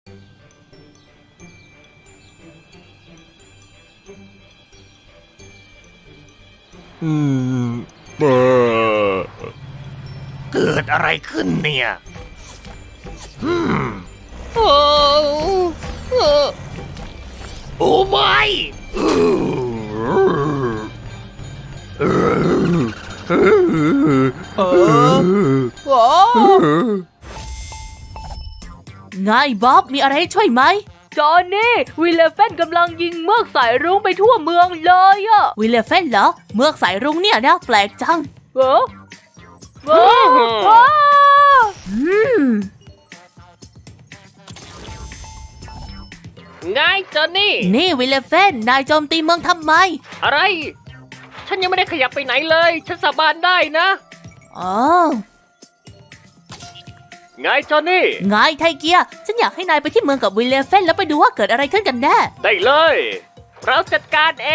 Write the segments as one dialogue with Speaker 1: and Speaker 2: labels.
Speaker 1: อืมเกิดอะไรขึ้นเนี่ยโอ้โอ้ไม่
Speaker 2: ไงบ๊อบมีอะไรให้ช่วยไหม
Speaker 3: จอห์นนี่วิลเลฟเฟนกำลังยิงเมือกสายรุ้งไปทั่วเมืองเลยอะ
Speaker 2: วิลเลฟเฟนเหรอเมือกสายรุ้งเนี่ยนะแปลกจัง
Speaker 3: เว้อว้าวว้าว
Speaker 1: ไงจอนนี่
Speaker 2: นี่วิลเลฟเฟนนายโจมตีเมืองทำไม
Speaker 1: อะไร ฉันยังไม่ได้ขยับไปไหนเลย ฉันสาบานได้นะ
Speaker 2: อ๋อ
Speaker 1: ไงจอนนี่
Speaker 2: ไงไทเกียฉันอยากให้นายไปที่เมืองกับวิลเลฟเฟนแล้วไปดูว่าเกิดอะไรขึ้นกันแน่
Speaker 1: ได้เลย เราจัดการเอง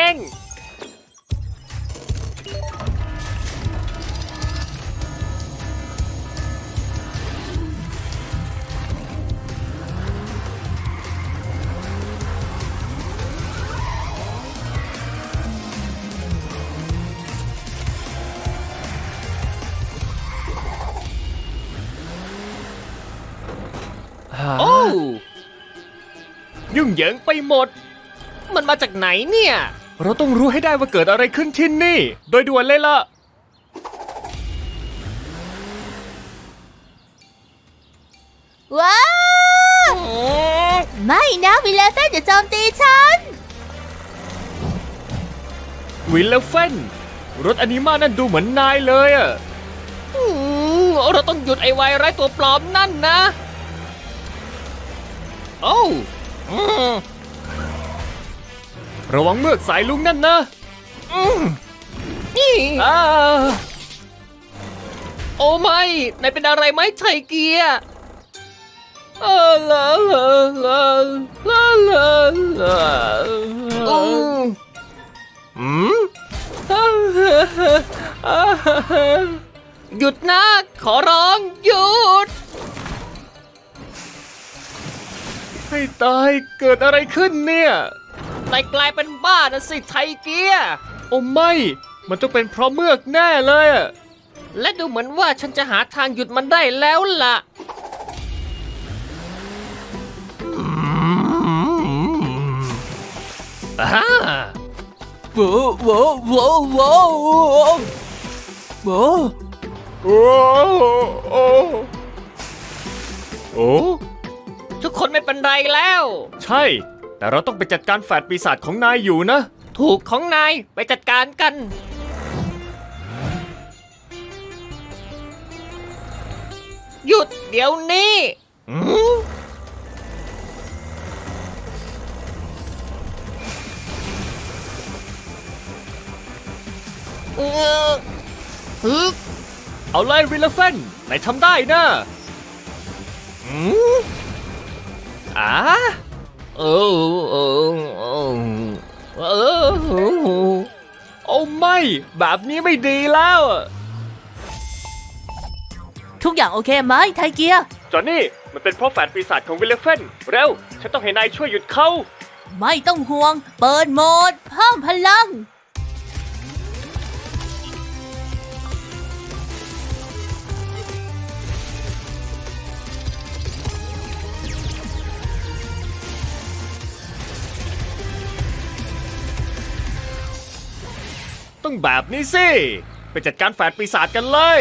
Speaker 1: โอ้ยุ่งเหยิงไปหมด มันมาจากไหนเนี่ย เราต้องรู้ให้ได้ว่าเกิดอะไรขึ้นที่นี่ โดยด่วนเลยล่ะ
Speaker 2: ว้าวไม่นะวิลเลฟเฟนจะโจมตีฉัน
Speaker 1: วิลเลฟเฟนรถอนิมานั่นดูเหมือนนายเลยอะเราต้องหยุดไอ้วายร้ายตัวปลอมนั่นนะโอ้ระวังเมือกสายลุงนั่นนะนี่โอ้ไม่นายเป็นอะไรไหมไทเกียลาลาลาลาลาลาหยุดนะขอร้องหยุดให้ตายเกิดอะไรขึ้นเนี่ยนายกลายเป็นบ้านะสิไทเกียโอ้ไม่มันต้องเป็นเพราะเมือกแน่เลยและดูเหมือนว่าฉันจะหาทางหยุดมันได้แล้วล่ะ
Speaker 2: โว้โว้โว้โว้โว้
Speaker 1: โอ้โอ้โอ้ทุกคนไม่เป็นไรแล้ว ใช่ แต่เราต้องไปจัดการแฝดปีศาจของนายอยู่นะ ถูกของนายไปจัดการกัน หยุดเดี๋ยวนี้เอาเลยวิลเลฟเฟนนายทำได้นะโอ้ไม่แบบนี้ไม่ดีแล้ว
Speaker 2: ทุกอย่างโอเคไหมไทเกีย
Speaker 1: จอนนี่มันเป็นเพราะแฝดปีศาจของวิลเลฟเฟนเร็วฉันต้องให้นายช่วยหยุดเขา
Speaker 2: ไม่ต้องห่วงเปิดโหมดเพิ่มพลัง
Speaker 1: ต้องแบบนี้สิไปจัดการแฝดปีศาจกันเลย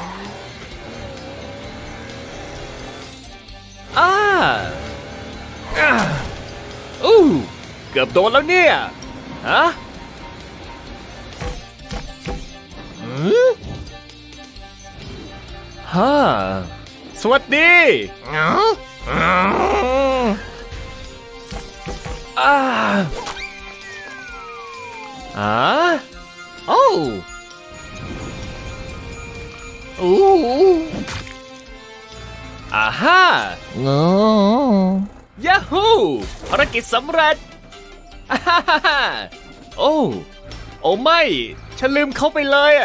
Speaker 1: เกือบโดนแล้วเนี่ยฮะสวัสดีโอ้ฮ่ายาฮูภารกิจสำเร็จโอ้ไม่ฉันลืมเขาไปเลย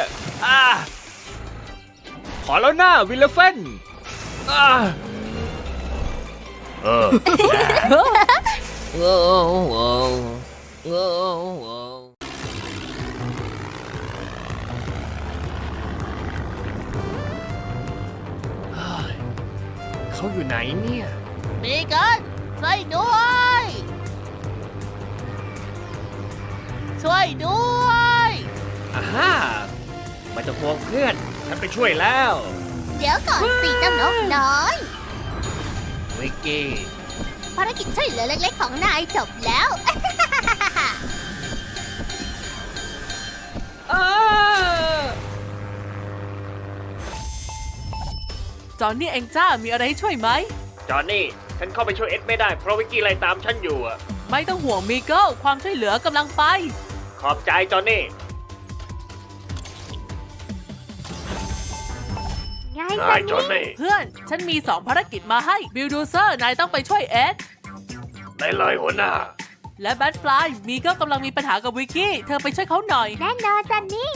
Speaker 1: ขอแล้วหน้าวิลเลฟเฟนโอ้โอ้โอ้โอ้โอ้เขาอยู่ไหนเนี่ย
Speaker 2: มีกันช่วยด้วย ช่วยด้วย
Speaker 1: อ่าฮ่าไม่ต้องห่วงเพื่อน ฉันไปช่วยแล้ว
Speaker 2: เดี๋ยวก่อนสิเจ้านกน้อย
Speaker 1: วิกกี้
Speaker 2: ภารกิจช่วยเหลือเล็กๆของนายจบแล้ว
Speaker 3: จอนนี่เองจ้ามีอะไรให้ช่วยไหม
Speaker 1: จอห์นนี่ ฉันเข้าไปช่วยเอ็ดไม่ได้เพราะวิกกี้ไล่ตามฉันอยู่อะ
Speaker 3: ไม่ต้องห่วงมิเกิลความช่วยเหลือกำลังไป
Speaker 1: ขอบใจจอห์นนี่
Speaker 2: ไง
Speaker 1: นายจอห์นนี่
Speaker 3: เพื่อนฉันมี2ภารกิจมาให้บิลดูเซอร์นายต้องไปช่วยเอ็ด
Speaker 1: ได้เลยหัวหน้า
Speaker 3: และแบทฟลายมิเกิลกำลังมีปัญหากับวิกกี้เธอไปช่วยเขาหน่อย
Speaker 2: แน่นอนจันนี่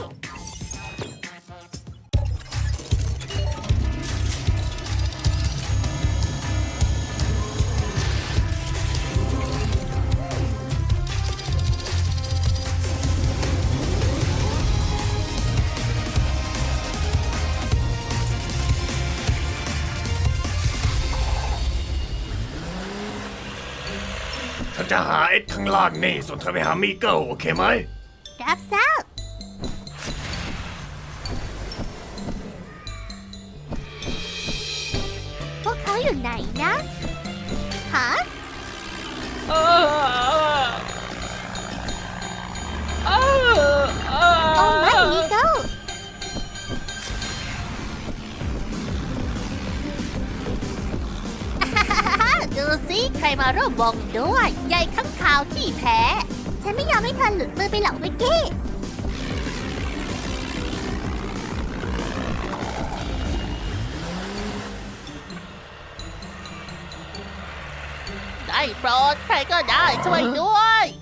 Speaker 1: ฉันจะหาเอ็ดข้างล่างนี่ ส่วนเธอไปหามีเกิลโอเคไหม
Speaker 2: รับทราบพวกเขาอยู่ไหนนะฮะโอ้ไม่มีเก้า ดูสิใครมาร่วมวงด้วยใหญ่ข้างข่าวขี้แพ้ ฉันไม่ยอมให้เธอหลุดมือไปหรอกวิกกี้ ได้โปรดใครก็ได้ช่วยด้วย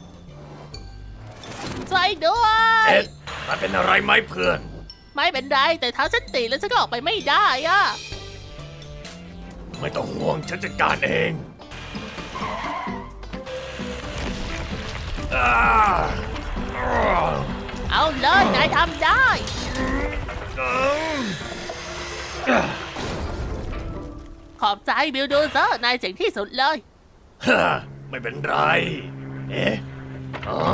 Speaker 2: ช่วยด้วย
Speaker 1: เอ็ดมันเป็นอะไรไหมเพื่อน
Speaker 2: ไม่เป็นไรแต่เท้าฉันติดแล้วฉันก็ออกไปไม่ได้อะ
Speaker 1: ไม่ต้องห่วงฉันจัดการเองอ่า
Speaker 2: เอาเลยนายทำได้ ขอบใจบิลดูเซอร์นายเจ๋งที่สุดเลย
Speaker 1: ฮ่าไม่เป็นไร เอ๊ะอ๋อ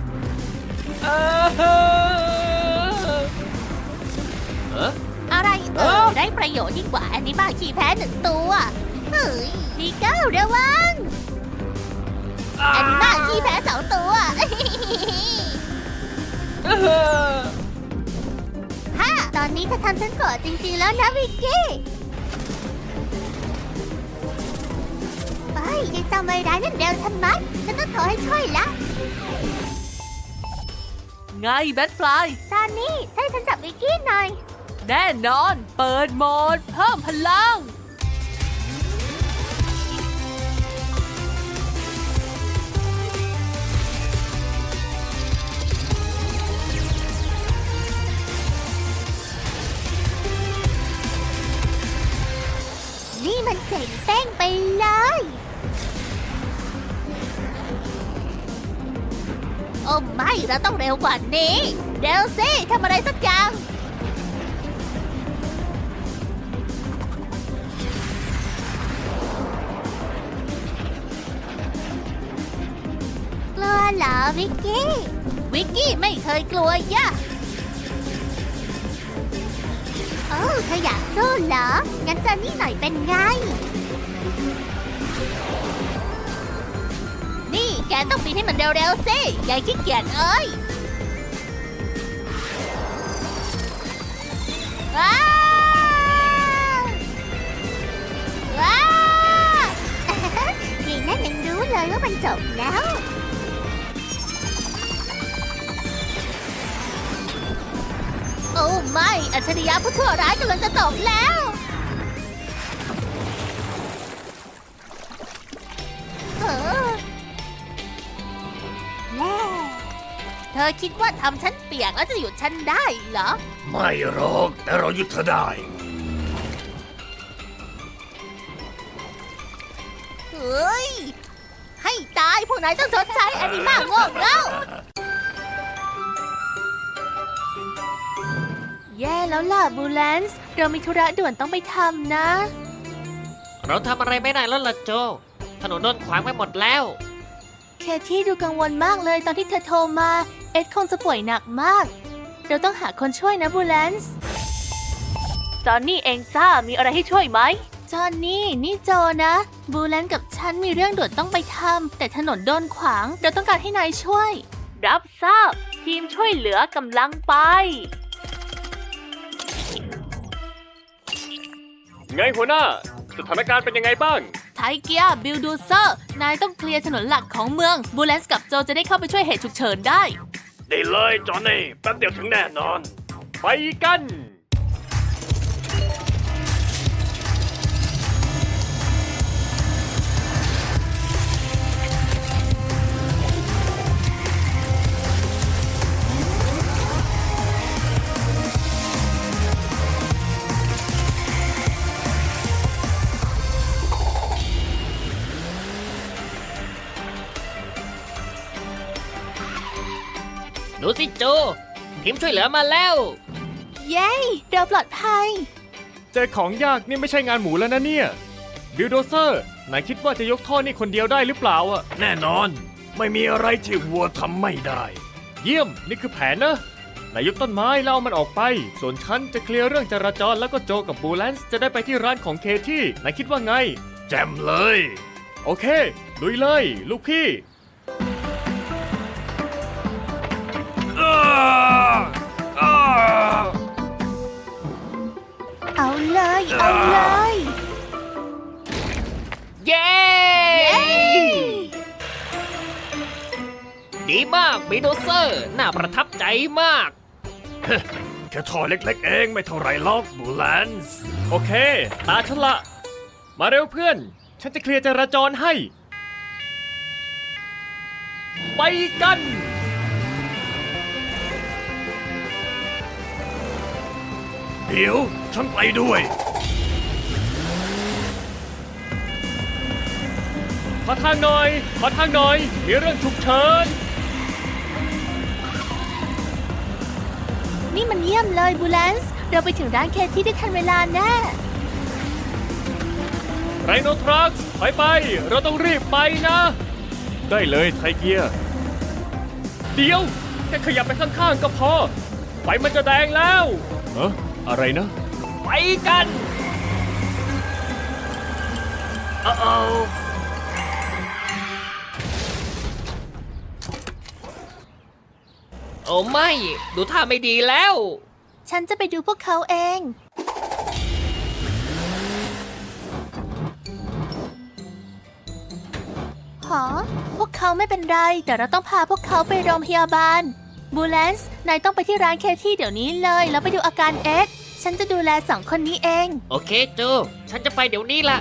Speaker 2: อะไรได้ประโยชน์ยิ่งกว่าอันนี้บ้าขี้แพ้หนึ่งตัวเฮ้ยมีเก้าระวังอันนี้บ้าขี้แพ้สองตัว ฮ่าตอนนี้เธอทำฉันโกรธจริงๆแล้วนะวิกกี้ไปยังจำไม่ได้นั่นเร็วฉันมัดฉันต้องโทรให้ช่วยละ
Speaker 3: ไงแบทฟลาย
Speaker 2: ตอนนี้ให้ฉันจับวิกกี้หน่อย
Speaker 3: แน่นอน เปิดโหมดเพิ่มพลัง
Speaker 2: นี่มันเจ๋งเป้งไปเลย โอ้ไม่เราต้องเร็วกว่านี้ เร็วสิทำอะไรสักอย่าง กลัวเหรอวิกกี้ วิกกี้ไม่เคยกลัวย่ะโอ้เธออยากสู้เหรอ งั้นเจอนี่หน่อยเป็นไง นี่แกต้องปีนให้มันเร็วๆสิยายขี้เกียจเอ้ยว้าวว้าว ดีนะยังรู้เลยว่ามันจบแล้ว โอ้ไม่อัจฉริยะผู้ชั่วร้ายกำลังจะตกแล้วแน่เธอคิดว่าทำฉันเปียกแล้วจะหยุดฉันได้เหรอ
Speaker 1: ไม่หรอกแต่เราหยุดเธอได้
Speaker 2: วอ้ย ให้ตายพวกนายต้องชดใช้แอนิมาโง่เง่าแย่แล้วล่ะบูแลนซ์เรามีธุระด่วนต้องไปทำนะ
Speaker 1: เราทำอะไรไม่ได้แล้วล่ะโจ ถนนโดนขวางไปหมดแล้ว
Speaker 2: เคที่ดูกังวลมากเลยตอนที่เธอโทรมา เอ็ดคงจะป่วยหนักมาก เราต้องหาคนช่วยนะบูแลนซ์
Speaker 3: จอนนี่เองจ้ามีอะไรให้ช่วยไหม
Speaker 2: จอนนี่นี่โจนะบูแลนซ์กับฉันมีเรื่องด่วนต้องไปทำแต่ถนนโดนขวางเราต้องการให้นายช่วย
Speaker 3: รับทราบทีมช่วยเหลือกำลังไป
Speaker 1: ไงหัวหน้า สถานการณ์เป็นยังไงบ้าง
Speaker 2: ไทเกียบิลดูเซอร์นายต้องเคลียร์ถนนหลักของเมืองบูแลนซ์กับโจจะได้เข้าไปช่วยเหตุฉุกเฉินได้
Speaker 1: ได้เลยจอนนี่แป๊บเดียวถึงแน่นอน ไปกัน ดูสิโจ ทีมช่วยเหลือมาแล้ว
Speaker 2: เย้เราปลอดภัย
Speaker 4: เจอของยากนี่ไม่ใช่งานหมูแล้วนะเนี่ยบิลโดเซอร์นายคิดว่าจะยกท่อนี่คนเดียวได้หรือเปล่าอะ
Speaker 5: แน่นอน ไม่มีอะไรที่วัวทำไม่ได้
Speaker 4: เยี่ยมนี่คือแผนนะนายยกต้นไม้แล้วเอามันออกไป ส่วนฉันจะเคลียร์เรื่องจราจรแล้วก็โจกับบูแลนซ์จะได้ไปที่ร้านของเคที่นายคิดว่าไง
Speaker 5: แจ่มเลย
Speaker 4: โอเคลุยเลย ลูกพี่
Speaker 5: อ้าอ้า
Speaker 2: เอาเลย เอาเลย
Speaker 1: เย้ ดีมากบีโดเซอร์ น่าประทับใจมาก
Speaker 5: แค่ท่อเล็กๆเองไม่เท่าไรล็อกบูแลนซ์
Speaker 4: โอเค ตาฉันละ มาเร็วเพื่อน ฉันจะเคลียร์จราจรให้ ไปกัน
Speaker 5: เดี๋ยวฉันไปด้วย
Speaker 4: ขอทางหน่อย ขอทางหน่อย มีเรื่องฉุกเฉิน
Speaker 2: นี่มันเยี่ยมเลยบูแลนซ์เราไปถึงร้านเคที่ได้ทันเวลาแน่
Speaker 4: ไรโนทรัคถอยไป เราต้องรีบไปนะ ได้เลยไทเกียร์ เดี๋ยว แค่ขยับไปข้างๆก็พอ ไฟมันจะแดงแล้วอะไรนะ
Speaker 1: ไปกัน โอ้ไม่ ดูท่าไม่ดีแล้ว
Speaker 2: ฉันจะไปดูพวกเขาเองหอพวกเขาไม่เป็นไร แต่เราต้องพาพวกเขาไปโรงพยาบาล บูแลนซ์นายต้องไปที่ร้านเคที่เดี๋ยวนี้เลย แล้วไปดูอาการเอ็ดฉันจะดูแลสองคนนี้เอง
Speaker 1: โอเคโจ ฉันจะไปเดี๋ยวนี้ละ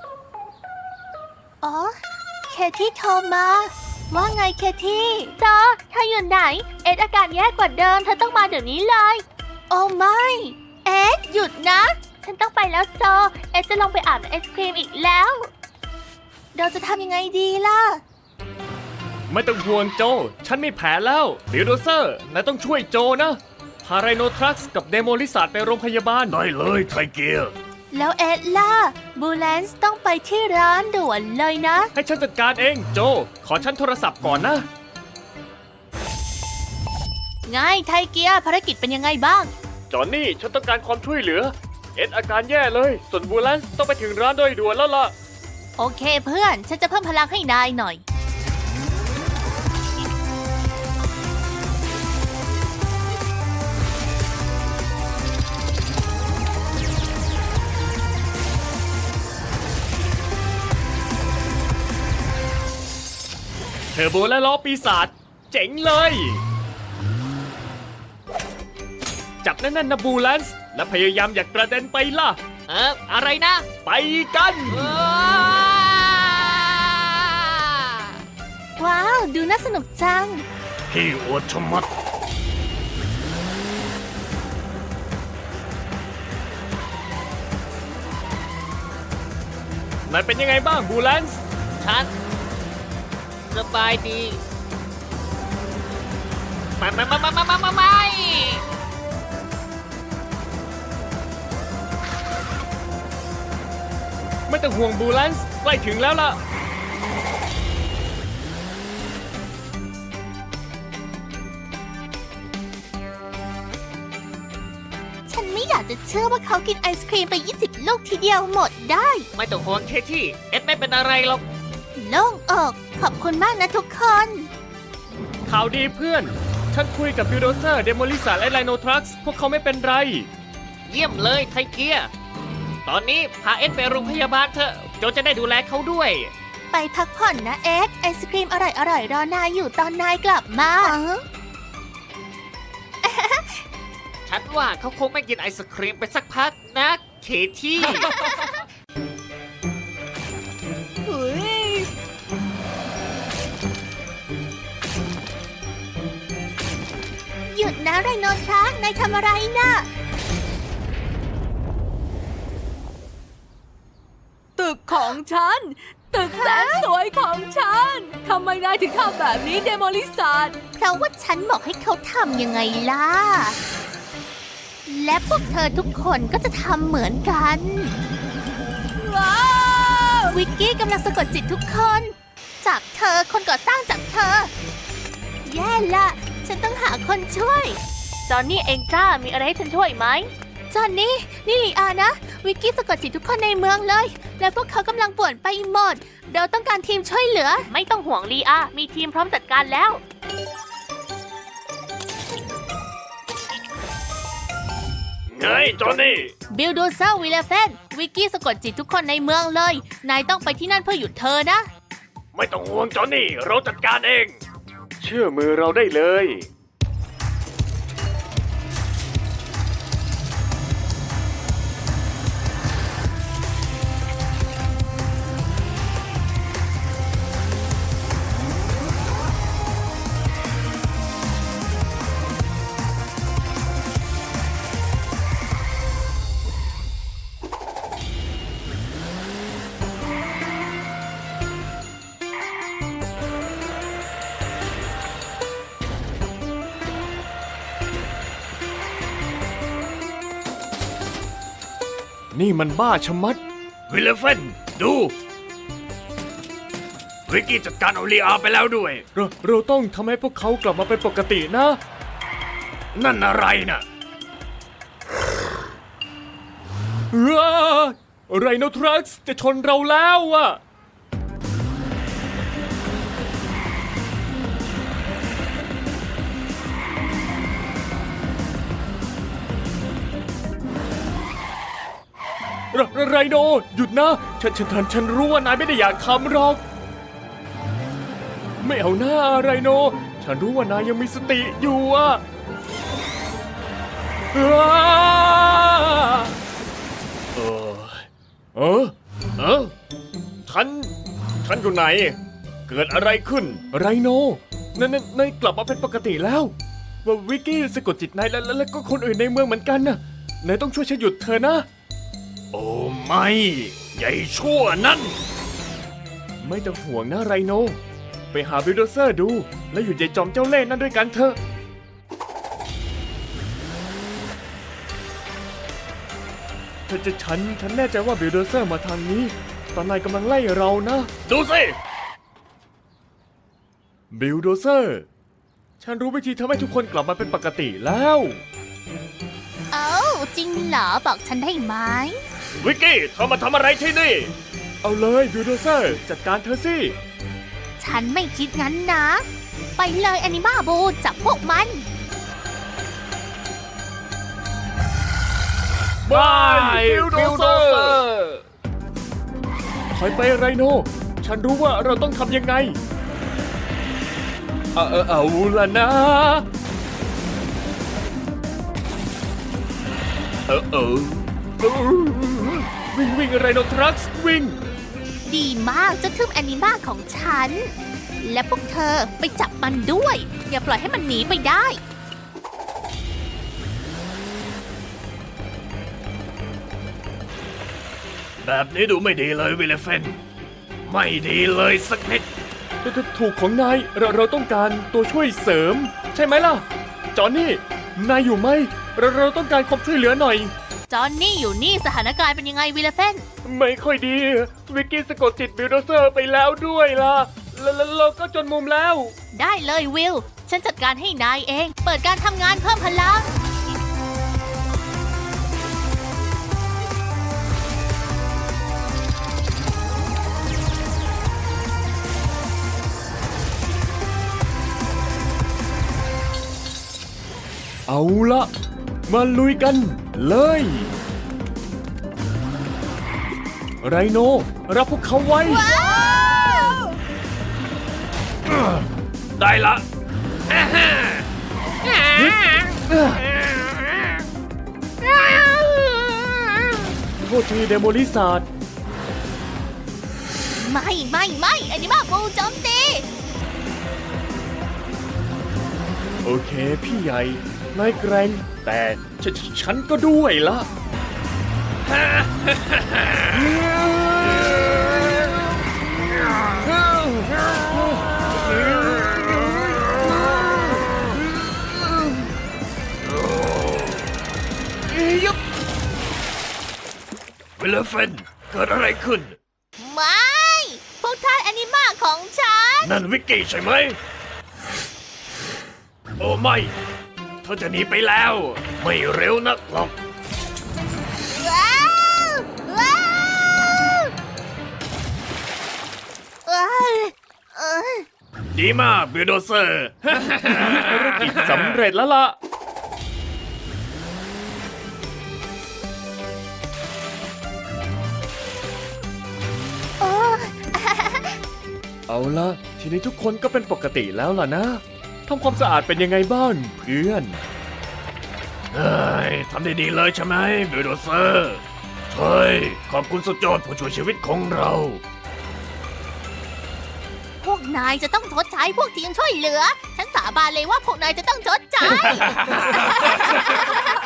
Speaker 2: อ๋อ เคที่โทรมา ว่าไงเคที่
Speaker 3: จอเธออยู่ไหน เอ็ดอาการแย่กว่าเดิม เธอต้องมาเดี๋ยวนี้เลย
Speaker 2: โอ้ไม่ เอ็ดหยุดนะ
Speaker 3: ฉันต้องไปแล้วจอ เอ็ดจะลงไปอาบไอศครีมอีกแล้ว
Speaker 2: เราจะทำยังไงดีล่ะ
Speaker 4: ไม่ต้องห่วงโจ ฉันมีแผนแล้วบิลโดเซอร์นายต้องช่วยโจนะ พาไรโนทรัคกับเดโมลิสาดไปโรงพยาบาล
Speaker 5: ได้เลยไทเกียร์
Speaker 2: แล้วเอ็ดล่ะ บูแลนซ์ต้องไปที่ร้านด่วนเลยนะ
Speaker 4: ให้ฉันจัดการเองโจ ขอฉันโทรศัพท์ก่อนนะ
Speaker 2: ไงไทเกียร์ภารกิจเป็นยังไงบ้าง
Speaker 4: จอนนี่ฉันต้องการความช่วยเหลือ เอ็ดอาการแย่เลย ส่วนบูแลนซ์ต้องไปถึงร้านโดยด่วนแล้วล่ะ
Speaker 2: โอเคเพื่อน ฉันจะเพิ่มพลังให้นายหน่อย
Speaker 4: เทอร์โบและล้อปีศาจเจ๋งเลย จับแน่นๆนะบูแลนซ์และพยายามอย่ากระเด็นไปล่ะ
Speaker 1: อะไรนะ
Speaker 4: ไปกัน
Speaker 2: ว้าว ดูน่าสนุกจัง
Speaker 5: พี่อวดชะมัด
Speaker 4: นายเป็นยังไงบ้างบูแลนซ์
Speaker 1: ฉัน สบายดีไม่
Speaker 4: ไม่ต้องห่วงบูแลนซ์ใกล้ถึงแล้วล่ะ
Speaker 2: ฉันไม่อยากจะเชื่อว่าเขากินไอศครีมไป 20 ลูกทีเดียวหมดได้
Speaker 1: ไม่ต้องห่วงเคที่ เอ็ดไม่เป็นอะไรหรอก
Speaker 2: โล่งอกขอบคุณมากนะทุกคน
Speaker 4: ข่าวดีเพื่อน ฉันคุยกับบิลโดเซอร์ เดโมลิสาและไลโนทรัคส์พวกเขาไม่เป็นไร
Speaker 1: เยี่ยมเลยไทเกีย ตอนนี้พาเอ็ดไปโรงพยาบาลเถอะโจจะได้ดูแลเขาด้วย
Speaker 2: ไปพักผ่อนนะเอ็กไอศครีมอร่อยๆรอนายอยู่ตอนนายกลับมา
Speaker 1: ฉันว่าเขาคงไม่กินไอศครีมไปสักพักนะเคที่
Speaker 2: หยุดนะไรโนทรัคนายทำอะไรน่ะ
Speaker 3: ตึกของฉัน ตึกแสนสวยของฉัน ทำไมนายถึงทำแบบนี้เดโมลิซาร์ด
Speaker 2: เพราะว่าฉันบอกให้เขาทำยังไงล่ะ และพวกเธอทุกคนก็จะทำเหมือนกัน
Speaker 3: ว้าว
Speaker 2: วิกกี้กำลังสะกดจิตทุกคน จากเธอคนก่อสร้างจากเธอ แย่ละฉันต้องหาคนช่วย
Speaker 3: จอนนี่เองจ้า มีอะไรให้ฉันช่วยไหม
Speaker 2: จอนนี่นี่ลีอานะ วิกกี้สะกดจิตทุกคนในเมืองเลย และพวกเขากำลังป่วนไปหมด เราต้องการทีมช่วยเหลือ
Speaker 3: ไม่ต้องห่วงลีอา มีทีมพร้อมจัดการแล้ว
Speaker 5: ไงจอห์นนี่
Speaker 2: บิลดูเซอร์วิลเลเฟนวิกกี้สะกดจิตทุกคนในเมืองเลย นายต้องไปที่นั่นเพื่อหยุดเธอนะ
Speaker 5: ไม่ต้องห่วงจอห์นนี่ เราจัดการเอง
Speaker 4: เชื่อมือเราได้เลย นี่มันบ้าชะมัด
Speaker 5: วิลเลฟเฟนดู วิกกี้จัดการโอลีอาไปแล้วด้วย
Speaker 4: เราต้องทำให้พวกเขากลับมาเป็นปกตินะ
Speaker 5: นั่นอะไรน่ะ
Speaker 4: ไรโนทรัคส์จะชนเราแล้วอะ ไรโนหยุดนะ ฉันรู้ว่านายไม่ได้อยากทำหรอก ไม่เอาหน้าไรโน ฉันรู้ว่านายยังมีสติอยู่อะฉันอยู่ไหน เกิดอะไรขึ้น ไรโนนายกลับมาเป็นปกติแล้วว่าวิกกี้สะกดจิตนายแล้วก็คนอื่นในเมืองเหมือนกันนะนายต้องช่วยฉันหยุดเธอนะ
Speaker 5: โอ้ไม่ใหญ่ชั่วนั่น
Speaker 4: ไม่ต้องห่วงนะไรโน ไปหาบิลโดเซอร์ดู แล้วหยุดยายจอมเจ้าเล่ห์นั่นด้วยกันเถอะฉันแน่ใจว่าบิลโดเซอร์มาทางนี้ ตอนนายกำลังไล่เรานะ
Speaker 5: ดูสิ
Speaker 4: บิลโดเซอร์ ฉันรู้วิธีทำให้ทุกคนกลับมาเป็นปกติแล้ว
Speaker 2: เอ้าจริงเหรอบอกฉันได้ไหม
Speaker 5: วิกกี้เธอมาทำอะไรที่นี่
Speaker 4: เอาเลยบิลโดเซอร์จัดการเธอสิ
Speaker 2: ฉันไม่คิดงั้นนะ ไปเลยแอนิมาบูจับพวกมัน
Speaker 4: บายบิลโดเซอร์ถอยไปไรโน ฉันรู้ว่าเราต้องทำยังไง เอาละนะวิ่งไรโนทรัคส์วิ่ง
Speaker 2: ดีมากเจ้าทึมแอนิมาของฉัน และพวกเธอไปจับมันด้วย อย่าปล่อยให้มันหนีไปได้
Speaker 5: แบบนี้ดูไม่ดีเลยวิลเลฟเฟนไม่ดีเลยสักนิด
Speaker 4: ถูกของนายเราต้องการตัวช่วยเสริม ใช่ไหมล่ะ จอห์นนี่นายอยู่ไหมเราต้องการความช่วยเหลือหน่อย
Speaker 2: จอนนี่อยู่นี่สถานการณ์เป็นยังไงวิลเลเฟน
Speaker 4: ไม่ค่อยดี วิกกี้สะกดจิตบิลโดเซอร์ไปแล้วด้วยล่ะแล้วเราก็จนมุมแล้ว
Speaker 2: ได้เลยวิล ฉันจัดการให้นายเอง เปิดการทำงานเพิ่มพลัง
Speaker 4: เอาละมาลุยกันเลย ไรโนรับพวกเขาไว้
Speaker 5: ได้ละ
Speaker 4: โทษทีเดโมลิซาร์ด
Speaker 2: ไม่อันนี้มาฟูโจมตี
Speaker 4: โอเคพี่ใหญ่นายแกร่งแต่ฉันก็ด้วยละ
Speaker 5: วิลเลฟนเกิดอะไรขึ้น
Speaker 2: ไม่ พวกท่านแอนิมาของฉัน
Speaker 5: นั่นวิกกี้ใช่ไหม โอ้ไม่ เธอจะหนีไปแล้ว ไม่เร็วนักหรอก
Speaker 2: ว้าวว้าวเอ้ยเอ้ย
Speaker 5: ดีมากบิลโดเซอร์
Speaker 4: ภารกิจสำเร็จแล้วล่ะ
Speaker 2: โอ้ย
Speaker 4: เอาละทีนี้ทุกคนก็เป็นปกติแล้วล่ะนะทำความสะอาดเป็นยังไงบ้างเพื่อน
Speaker 5: เฮ้ย ทำได้ดีเลยใช่ไหมบิลโดเซอร์ เฮ้ย ขอบคุณสุดยอดผู้ช่วยชีวิตของเรา
Speaker 2: พวกนายจะต้องชดใช้พวกทีมช่วยเหลือ ฉันสาบานเลยว่าพวกนายจะต้องชดใช้